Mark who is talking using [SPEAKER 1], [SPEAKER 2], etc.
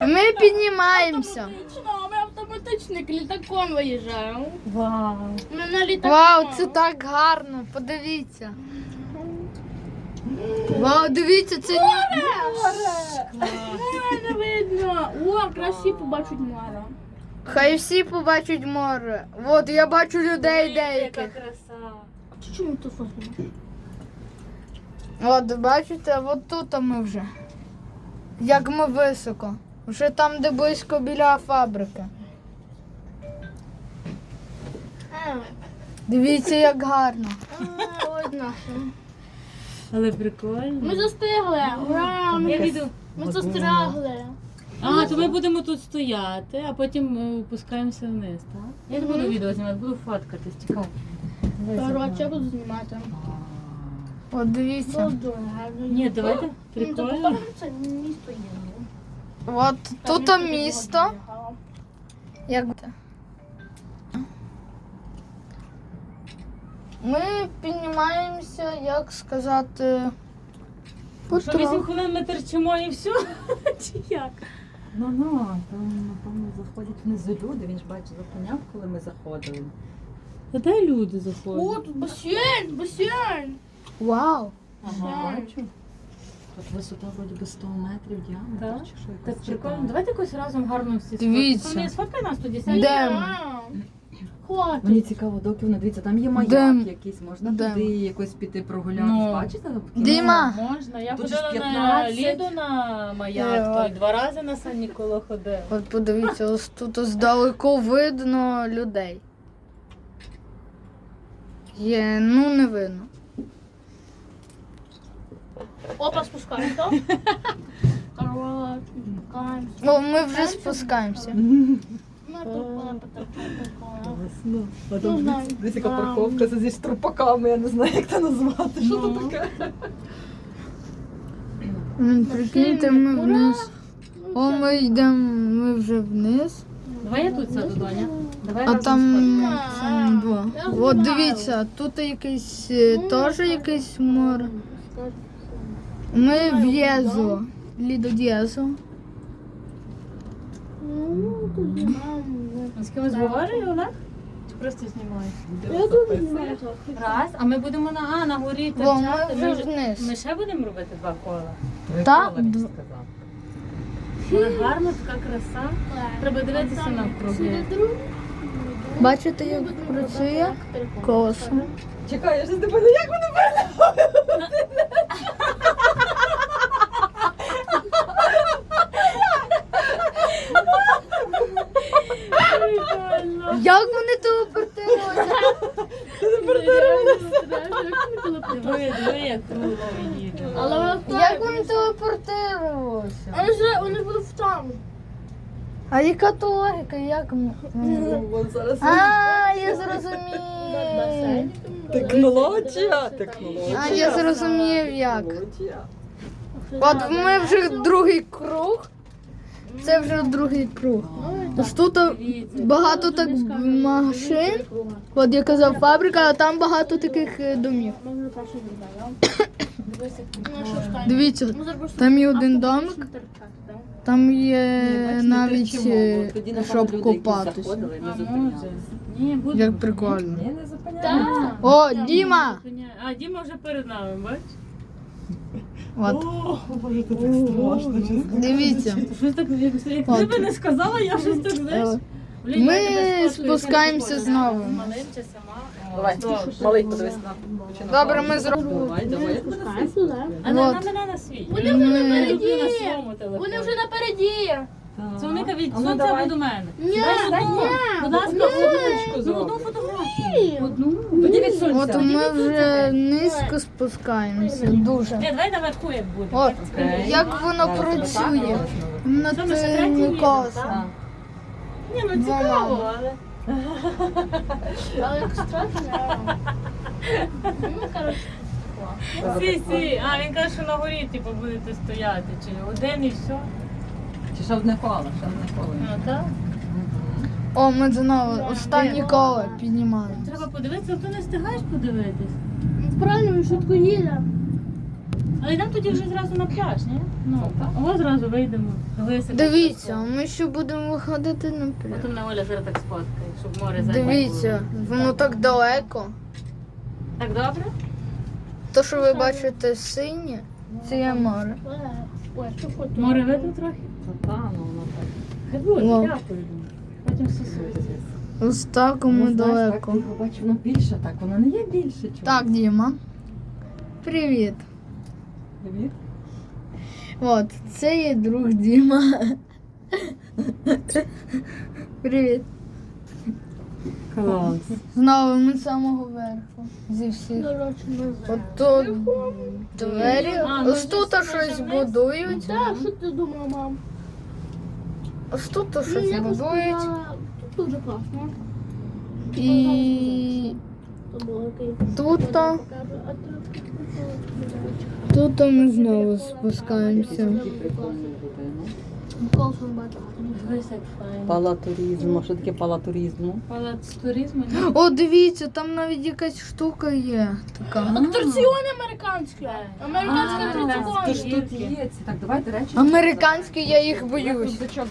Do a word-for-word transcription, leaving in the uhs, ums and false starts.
[SPEAKER 1] Ми піднімаємося.
[SPEAKER 2] Автоматично, ми автоматичним літаком виїжджаємо.
[SPEAKER 3] Вау.
[SPEAKER 2] Ми на літаку.
[SPEAKER 1] Вау, це так гарно, подивіться. Вау, дивіться, це ні.
[SPEAKER 2] Море не видно. О, красі побачить море.
[SPEAKER 1] Хай всі побачать море. От я бачу людей
[SPEAKER 3] Яка
[SPEAKER 1] деяких.
[SPEAKER 3] краса.
[SPEAKER 2] Чому ти фотимо?
[SPEAKER 1] От бачите, от тут ми вже. Як ми високо. Вже там, де близько біля фабрики. Дивіться, як гарно.
[SPEAKER 2] Ось наше.
[SPEAKER 3] Але прикольно.
[SPEAKER 2] Ми застигли. Ура! Ми,
[SPEAKER 3] Я піду.
[SPEAKER 2] ми застрягли.
[SPEAKER 3] А, то ми будемо тут стояти, а потім е, опускаємося вниз, так? Я не буду відео знімати, буду фоткатись, чекай.
[SPEAKER 2] Коротше, я буду знімати.
[SPEAKER 1] От дивіться.
[SPEAKER 2] Було дуже гарно.
[SPEAKER 3] Ні, давайте,
[SPEAKER 2] Ну, то
[SPEAKER 3] прикольно.
[SPEAKER 2] покажемо, це місто є.
[SPEAKER 1] От
[SPEAKER 2] Там
[SPEAKER 1] тут
[SPEAKER 2] я
[SPEAKER 1] місто.
[SPEAKER 2] підбігала.
[SPEAKER 1] Як ми піднімаємося, як сказати,
[SPEAKER 3] Що, вісім
[SPEAKER 1] потроху.
[SPEAKER 3] хвилин ми терчимо і все? Чи як?
[SPEAKER 4] Ну, ну, там, напевно, заходять внизу люди, він ж бачить, зупиняв, коли ми заходили.
[SPEAKER 3] Та де люди
[SPEAKER 2] О,
[SPEAKER 3] заходять?
[SPEAKER 2] тут басейн, басейн.
[SPEAKER 1] Вау.
[SPEAKER 4] Ага, бачу. Тут висота вроді би сто метрів діаметр,
[SPEAKER 3] Так?
[SPEAKER 4] чи що
[SPEAKER 3] Так
[SPEAKER 4] якось
[SPEAKER 3] прикольно.
[SPEAKER 4] така.
[SPEAKER 3] Давайте якось разом гарно всі
[SPEAKER 1] Дивіться.
[SPEAKER 3] сфоткаємо. Сфоткай нас тоді,
[SPEAKER 1] Де?
[SPEAKER 3] сядь.
[SPEAKER 1] Дем.
[SPEAKER 2] Хватить.
[SPEAKER 4] Мені цікаво, доки воно, дивіться, там є маяк
[SPEAKER 1] Дем.
[SPEAKER 4] якийсь, можна
[SPEAKER 1] Дем.
[SPEAKER 4] туди якось піти прогулятись,
[SPEAKER 3] Ну.
[SPEAKER 4] бачите?
[SPEAKER 1] Діма.
[SPEAKER 3] Можна. Я
[SPEAKER 4] Тут же ж
[SPEAKER 3] ходила на
[SPEAKER 4] п'ятнадцять.
[SPEAKER 3] ліду на маяк,
[SPEAKER 1] Е,
[SPEAKER 3] то й два рази на Сан Ніколо ходив.
[SPEAKER 1] От подивіться, ось тут здалеку видно людей. Є, ну не видно.
[SPEAKER 2] Опа, спускаємось, так? Коротше, спускаємось.
[SPEAKER 1] О, ми вже спускаємося.
[SPEAKER 2] Ми тут були потерпіли.
[SPEAKER 4] Весно. А
[SPEAKER 2] Ну,
[SPEAKER 4] там
[SPEAKER 2] знаю.
[SPEAKER 4] десь яка
[SPEAKER 2] Там.
[SPEAKER 4] парковка зі штрупаками, я не знаю, як це назвати. Що
[SPEAKER 3] Ну.
[SPEAKER 4] це таке?
[SPEAKER 1] М, Прикиньте, ми вниз. О, ми йдемо, ми вже вниз.
[SPEAKER 3] Давай я тут сяду, Доня. Давай
[SPEAKER 1] А
[SPEAKER 3] разом
[SPEAKER 1] там
[SPEAKER 3] сфоткаємо.
[SPEAKER 1] там два. От дивіться, тут якийсь е, теж якийсь море. Ми в Єзо. Лідо Д'єзо.
[SPEAKER 2] Ну, тут знімаємо.
[SPEAKER 3] З кимось говориш, Олег? Чи просто знімаєш?
[SPEAKER 2] Я тут знімаю трохи.
[SPEAKER 3] Раз, а ми будемо на, а, на горі
[SPEAKER 1] Бо ми
[SPEAKER 3] терчати.
[SPEAKER 1] вже
[SPEAKER 3] Ми, ж-
[SPEAKER 1] вниз.
[SPEAKER 3] ми ще будемо робити два кола.
[SPEAKER 1] Так,
[SPEAKER 4] Микола
[SPEAKER 1] д-
[SPEAKER 4] сказав.
[SPEAKER 3] Але гарно, така краса. Треба дивитися навкруги.
[SPEAKER 1] Бачите, як працює колесо?
[SPEAKER 4] Чекай, я ж не бачу, як вони
[SPEAKER 1] Як вони телепортуються?
[SPEAKER 3] Диви, диви, як круто ми їдемо.
[SPEAKER 2] Але вона
[SPEAKER 1] Як вони телепортуються?
[SPEAKER 2] Вони ж вони будуть там.
[SPEAKER 1] А яка то логіка? Як ми?
[SPEAKER 4] Вон зараз
[SPEAKER 1] А, я зрозумів.
[SPEAKER 4] технологія. Технологія.
[SPEAKER 1] А, я зрозумів як.
[SPEAKER 4] Технологія.
[SPEAKER 1] От ми вже другий круг. Це вже другий круг. Ось тут
[SPEAKER 3] Дивіться.
[SPEAKER 1] багато так машин. От я казав фабрика, а там багато таких е, домів.
[SPEAKER 2] Ми вже перший зробили. Ну, що ж там?
[SPEAKER 1] Дивіться,
[SPEAKER 2] Ми зараз
[SPEAKER 1] там є один
[SPEAKER 2] автоматично
[SPEAKER 1] домик,
[SPEAKER 2] терчати, так?
[SPEAKER 1] там є
[SPEAKER 4] Ні, бачите,
[SPEAKER 1] навіть,
[SPEAKER 4] терчимо,
[SPEAKER 1] е,
[SPEAKER 4] бо тоді, напевно,
[SPEAKER 1] щоб
[SPEAKER 4] люди, які
[SPEAKER 1] копатися.
[SPEAKER 4] заходили, не
[SPEAKER 3] А, може.
[SPEAKER 4] зупинялися.
[SPEAKER 3] Ні, буде.
[SPEAKER 1] Як прикольно.
[SPEAKER 4] Ні, не зупинялися.
[SPEAKER 2] Так.
[SPEAKER 1] О, Діма!
[SPEAKER 3] А, Діма вже перед нами, бач?
[SPEAKER 1] От,
[SPEAKER 4] О, Боже, це так страшно, чесно.
[SPEAKER 1] дивіться.
[SPEAKER 3] Щось так, як, як
[SPEAKER 1] От.
[SPEAKER 3] ти би не сказала, я щось так, знаєш.
[SPEAKER 1] Е,
[SPEAKER 3] Блін,
[SPEAKER 1] Ми
[SPEAKER 3] я тебе сфоткаю,
[SPEAKER 1] спускаємося
[SPEAKER 3] як ти
[SPEAKER 1] знову.
[SPEAKER 3] ходиш. Малим чи сама?
[SPEAKER 4] Давай,
[SPEAKER 3] Добре.
[SPEAKER 4] малий, подивись на.
[SPEAKER 1] Добре, ми зробимо.
[SPEAKER 4] Давай, давай.
[SPEAKER 2] Спускаємось туди.
[SPEAKER 3] А на,
[SPEAKER 1] От.
[SPEAKER 3] на мене на свій.
[SPEAKER 2] Вони вже
[SPEAKER 1] Ми-
[SPEAKER 3] Я люблю
[SPEAKER 2] напереді.
[SPEAKER 3] на своєму телефоні.
[SPEAKER 2] Вони вже напереді.
[SPEAKER 3] Соника від
[SPEAKER 4] А ну,
[SPEAKER 3] сонця
[SPEAKER 4] давай.
[SPEAKER 3] або до мене.
[SPEAKER 2] Ні,
[SPEAKER 3] Дай одну.
[SPEAKER 2] ні,
[SPEAKER 3] Будь ласка,
[SPEAKER 2] ні.
[SPEAKER 3] одну, ну, одну фотографію. Одну.
[SPEAKER 4] Тоді від сонця.
[SPEAKER 1] От ми вже низько спускаємося. Дуже.
[SPEAKER 3] Ні, давай наверху як буде.
[SPEAKER 1] От,
[SPEAKER 4] Окей.
[SPEAKER 1] як воно
[SPEAKER 4] Зараз
[SPEAKER 1] працює
[SPEAKER 4] отак,
[SPEAKER 1] над
[SPEAKER 3] Що, ми ще
[SPEAKER 1] тим
[SPEAKER 3] третій їдемо,
[SPEAKER 1] колесом.
[SPEAKER 3] так? Ні, ну
[SPEAKER 1] Два
[SPEAKER 3] цікаво,
[SPEAKER 1] мами.
[SPEAKER 3] але...
[SPEAKER 2] Але як страшно. Ну, коротше.
[SPEAKER 3] Сі, сі. А, він каже, що на горі, типу, будете стояти. Чи один і все.
[SPEAKER 4] Чи ще одне коло, ще одне коло.
[SPEAKER 3] Ну, так.
[SPEAKER 1] О, ми знову останнє коло піднімаємо.
[SPEAKER 3] Треба подивитися, а то не встигаєш подивитись.
[SPEAKER 2] Правильно, він швидко їде.
[SPEAKER 3] Але йдемо тоді вже зразу на пляж, ні? Ну,
[SPEAKER 4] Так.
[SPEAKER 3] ось зразу вийдемо. Лисик.
[SPEAKER 1] Дивіться, ми ще будемо виходити на пляж.
[SPEAKER 3] Потім на Оля зараз так сфоткає, щоб море зайняло.
[SPEAKER 1] Дивіться, воно так далеко.
[SPEAKER 3] Так добре?
[SPEAKER 1] То, що ви бачите синє, це є море.
[SPEAKER 2] Ой, що фото?
[SPEAKER 3] Море видно трохи?
[SPEAKER 4] Та, та, ну воно так.
[SPEAKER 3] Хай буде,
[SPEAKER 1] Вау.
[SPEAKER 3] дякую. Потім сосується.
[SPEAKER 1] Ось так ми
[SPEAKER 4] Ну, знаєш,
[SPEAKER 1] далеко.
[SPEAKER 4] Так, ти побачиш, воно більше так, воно не є більше. Чого?
[SPEAKER 1] Так, Діма. Привіт.
[SPEAKER 4] Привіт.
[SPEAKER 1] От, це є друг Діма. Привіт.
[SPEAKER 4] Клас.
[SPEAKER 1] Знову ми з самого верху. Зі всіх.
[SPEAKER 2] Коротше, не знаю.
[SPEAKER 1] От тут двері.
[SPEAKER 3] А, ну,
[SPEAKER 1] Ось тут
[SPEAKER 3] десь
[SPEAKER 1] щось
[SPEAKER 3] вниз.
[SPEAKER 1] будують.
[SPEAKER 2] Так, що ти думала, мам?
[SPEAKER 1] Ось тут
[SPEAKER 2] Ну,
[SPEAKER 1] щось
[SPEAKER 2] я би
[SPEAKER 1] будують.
[SPEAKER 2] сказала, тут дуже класно.
[SPEAKER 1] І
[SPEAKER 2] То було окей.
[SPEAKER 1] тут,
[SPEAKER 2] Я покажу, а ти
[SPEAKER 1] тут ми знову спускаємося.
[SPEAKER 4] Такий прикольний будинок.
[SPEAKER 2] Колсон бачила.
[SPEAKER 3] Дивись, як файно.
[SPEAKER 4] Палатуризму. Що таке палатуризму?
[SPEAKER 3] Палац туризму. ні?
[SPEAKER 1] О, дивіться, там навіть якась штука є. Така.
[SPEAKER 2] Атракціон американський. Американський
[SPEAKER 3] А,
[SPEAKER 2] атракціон.
[SPEAKER 4] Тож тут є ці. Так, давайте речі.
[SPEAKER 1] Американські, я їх
[SPEAKER 4] Я
[SPEAKER 1] боюсь.
[SPEAKER 4] рюкзачок